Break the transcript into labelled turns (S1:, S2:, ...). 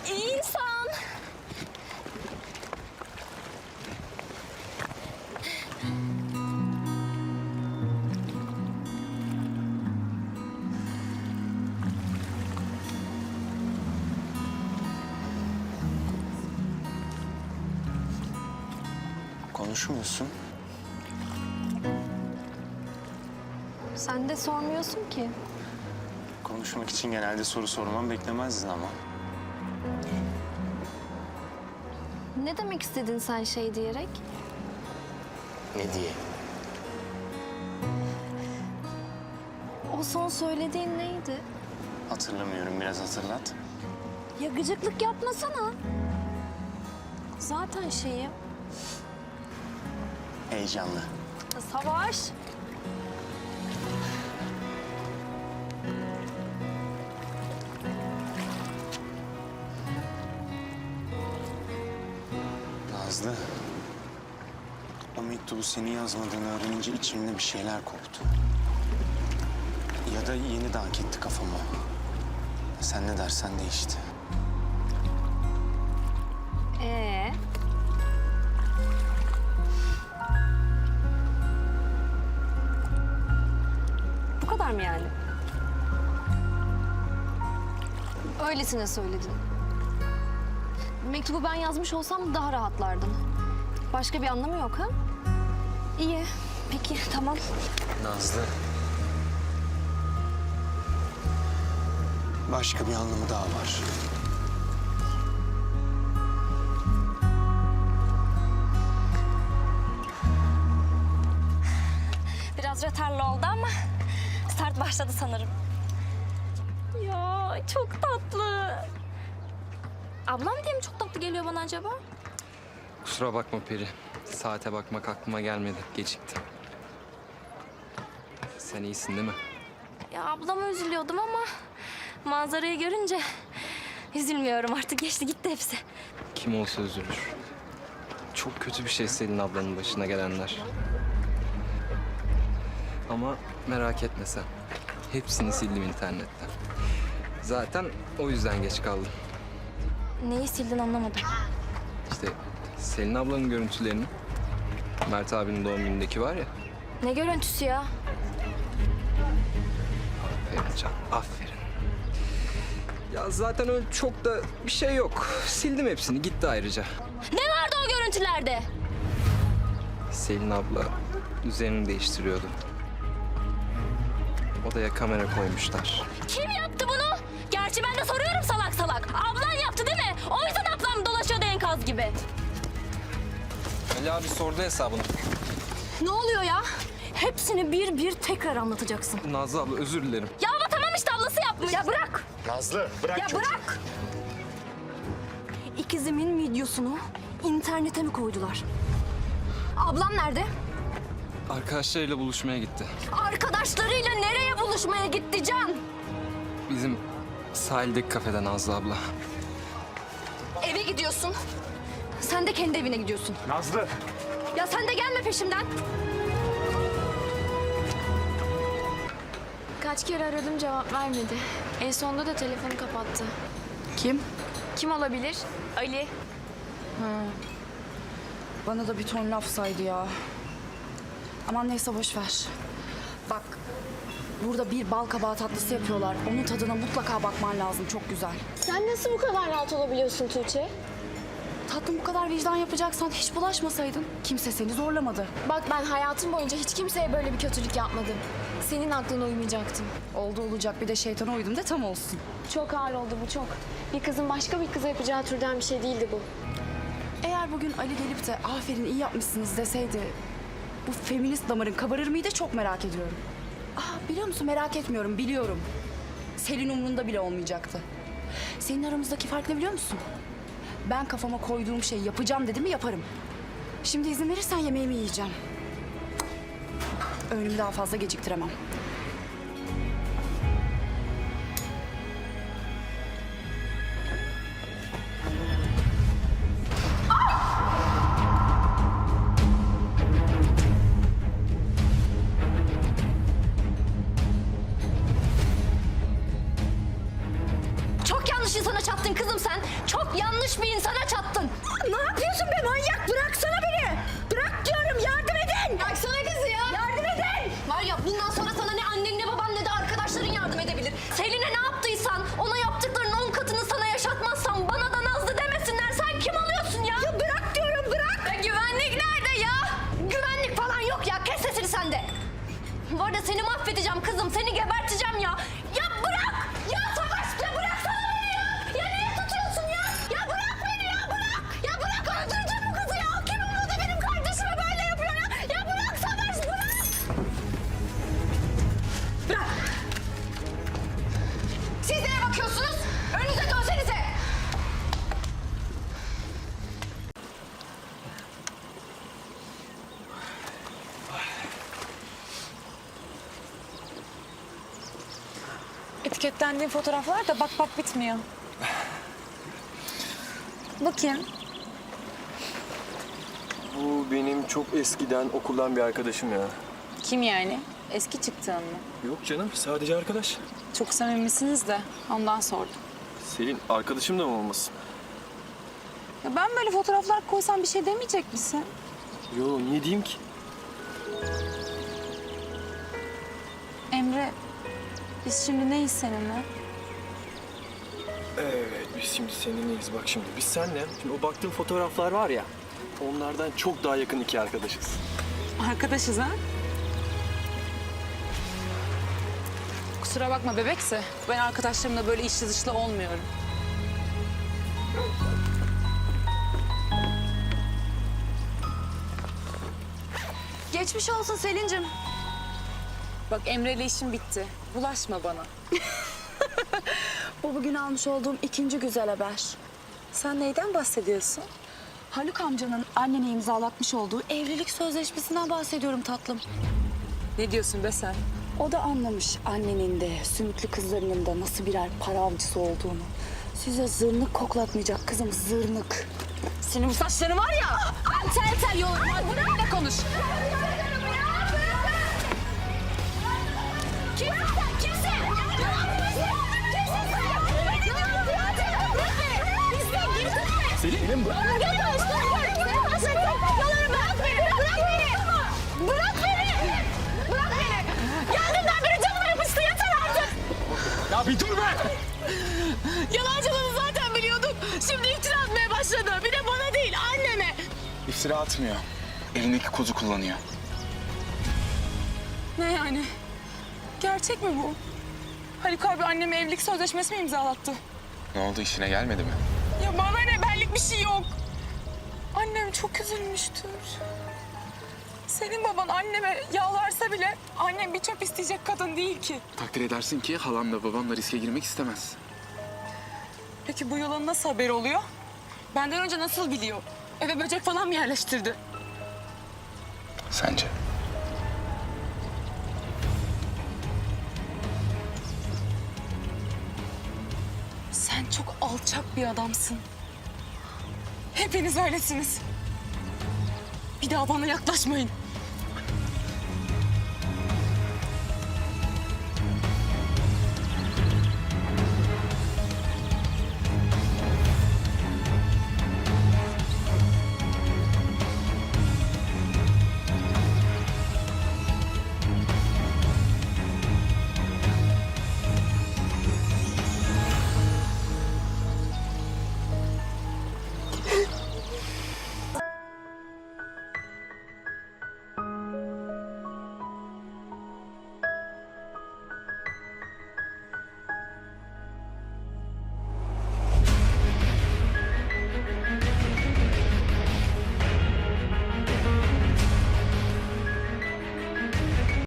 S1: İnsan.
S2: Konuşmuyorsun.
S1: Sen de sormuyorsun ki.
S2: Konuşmak için genelde soru sormam beklemezdin ama.
S1: Ne demek istedin sen şey diyerek?
S2: Ne diye?
S1: O son söylediğin neydi?
S2: Hatırlamıyorum, biraz hatırlat.
S1: Ya gıcıklık yapmasana. Zaten şeyim.
S2: Heyecanlı.
S1: Savaş.
S2: Nazlı. O mektubu senin yazmadığını öğrenince içimde bir şeyler koptu. Ya da yeni dank etti kafama. Sen ne dersen değişti.
S1: Bu kadar mı yani? Öylesine söyledin. Mektubu ben yazmış olsam daha rahatlardın. Başka bir anlamı yok ha? İyi. Peki tamam.
S2: Nazlı. Başka bir anlamı daha var.
S1: Biraz rötarlı oldu ama start başladı sanırım. Ya çok tatlı. Ablam diye mi çok tatlı geliyor bana acaba?
S3: Kusura bakma Peri. Saate bakmak aklıma gelmedi. Geciktim. Sen iyisin değil mi?
S1: Ya ablama üzülüyordum ama manzarayı görünce üzülmüyorum artık. Geçti gitti hepsi.
S3: Kim olsa üzülür. Çok kötü bir şey Selin ablanın başına gelenler. Ama merak etme sen. Hepsini sildim internetten. Zaten o yüzden geç kaldım.
S1: Neyi sildin anlamadım.
S3: İşte Selin ablanın görüntülerini. Mert abinin doğum günündeki var ya.
S1: Ne görüntüsü ya?
S3: Aferin Can, aferin. Ya zaten öyle çok da bir şey yok. Sildim hepsini, gitti ayrıca.
S1: Ne vardı o görüntülerde?
S3: Selin abla üzerini değiştiriyordu. Odaya kamera koymuşlar.
S1: Kim yaptı bunu? Gerçi ben de soruyorum salak salak. Ablan yaptı değil mi? O yüzden ablam dolaşıyordu enkaz gibi.
S3: Ali abi sordu hesabını.
S1: Ne oluyor ya? Hepsini bir bir tekrar anlatacaksın.
S3: Nazlı abla özür dilerim.
S1: Ya ama tamam işte ablası yapmış. Ya bırak.
S2: Nazlı, bırak
S1: Ya
S2: çocuğu.
S1: bırak. İkizimin videosunu internete mi koydular? Ablam nerede?
S3: Arkadaşlarıyla buluşmaya gitti.
S1: Arkadaşlarıyla nereye buluşmaya gitti Can?
S3: Bizim sahildeki kafede Nazlı abla.
S1: Eve gidiyorsun. Sen de kendi evine gidiyorsun.
S2: Nazlı.
S1: Ya sen de gelme peşimden.
S4: Kaç kere aradım cevap vermedi. En sonunda da telefonu kapattı.
S5: Kim?
S4: Kim olabilir? Ali.
S5: Bana da bir ton laf saydı ya. Aman neyse boş ver. Bak burada bir bal kabağı tatlısı yapıyorlar. Onun tadına mutlaka bakman lazım. Çok güzel.
S4: Sen nasıl bu kadar rahat olabiliyorsun Tuğçe?
S5: Tatlım bu kadar vicdan yapacaksan hiç bulaşmasaydın. Kimse seni zorlamadı.
S4: Bak ben hayatım boyunca hiç kimseye böyle bir kötülük yapmadım. Senin aklına uymayacaktım.
S5: Oldu olacak bir de şeytana uydum da tam olsun.
S4: Çok ağır oldu bu çok. Bir kızın başka bir kıza yapacağı türden bir şey değildi bu.
S5: Eğer bugün Ali gelip de aferin iyi yapmışsınız deseydi... ...bu feminist damarın kabarır mıydı çok merak ediyorum. Biliyor musun merak etmiyorum biliyorum. Selin umrunda bile olmayacaktı. Senin aramızdaki fark ne biliyor musun? Ben kafama koyduğum şeyi yapacağım dedim mi yaparım. Şimdi izin verirsen yemeğimi yiyeceğim. Öğünümü daha fazla geciktiremem.
S1: Çok yanlış insana çattın kızım sen. Çok yanlış bir insana çattın.
S5: Ne yapıyorsun be manyak? Bıraksana beni. Bırak diyorum, yardım edin.
S1: Bıraksana kızı ya.
S5: Yardım edin.
S1: Var ya bundan sonra sana ne annen ne baban ne de arkadaşların yardım edebilir. Selin'e ne yaptıysan ona yaptıklarının 10 katını sana yaşatmazsan bana da Nazlı demesinler. Sen kim oluyorsun ya?
S5: Ya bırak diyorum, bırak.
S1: Ya güvenlik nerede ya? Güvenlik falan yok ya. Kes sesini sen de. Bu arada seni mahvedeceğim kızım. Seni geberteceğim ya. Ya bırak. Ya Savaş ya bıraksana beni ya. Ya niye tutuyorsun ya? Ya bırak beni ya bırak. Ya bırak öldüreceğim bu kızı ya. Kim umurda benim kardeşime böyle yapıyor ya. Ya bırak Savaş bırak. Bırak. Siz neye bakıyorsunuz? Önünüze dönsenize.
S6: Etiketlendiğin fotoğraflar da bak bitmiyor. Bakayım.
S7: Bu benim çok eskiden okuldan bir arkadaşım ya.
S6: Kim yani? Eski çıktığın mı?
S7: Yok canım, sadece arkadaş.
S6: Çok samimisiniz de ondan sordum.
S7: Selin, arkadaşım da mı olmasın?
S6: Ya ben böyle fotoğraflar koysam bir şey demeyecek misin?
S7: Yo, niye diyeyim ki?
S6: Emre, biz şimdi neyiz seninle?
S7: Evet, biz şimdi seninleyiz. Bak şimdi, biz seninle, şimdi o baktığın fotoğraflar var ya, onlardan çok daha yakın iki arkadaşız.
S6: Arkadaşız ha? Kusura bakma bebekse. Ben arkadaşlarımla böyle içli dışlı olmuyorum.
S5: Geçmiş olsun Selin'cim.
S6: Bak Emre'yle işim bitti. Bulaşma bana.
S5: Bu bugün almış olduğum ikinci güzel haber.
S6: Sen neyden bahsediyorsun?
S5: Haluk amcanın annene imzalatmış olduğu evlilik sözleşmesinden bahsediyorum tatlım.
S6: Ne diyorsun be sen?
S5: O da anlamış annenin de sümüklü kızlarının da nasıl birer para avcısı olduğunu. Size zırnık koklatmayacak kızım, zırnık.
S6: Senin bu saçların var ya. Ben tel tel yolarım. Hadi benimle konuş.
S7: Selin, bırak. Ya bir dur be!
S6: Yalancılığını zaten biliyorduk. Şimdi iftira atmaya başladı. Bir de bana değil, anneme.
S2: İftira atmıyor. Elindeki kozu kullanıyor.
S6: Ne yani? Gerçek mi bu? Haluk abi anneme evlilik sözleşmesi mi imzalattı?
S2: Ne oldu, işine gelmedi mi?
S6: Ya bana ne, benlik bir şey yok. Annem çok üzülmüştür. Senin baban anneme yalvarsa bile annem bir çöp isteyecek kadın değil ki.
S8: Takdir edersin ki halamla babamla riske girmek istemez.
S6: Peki bu yolun nasıl haberi oluyor? Benden önce nasıl biliyor? Eve böcek falan mı yerleştirdi?
S2: Sence?
S6: Sen çok alçak bir adamsın. Hepiniz öylesiniz. Bir daha bana yaklaşmayın.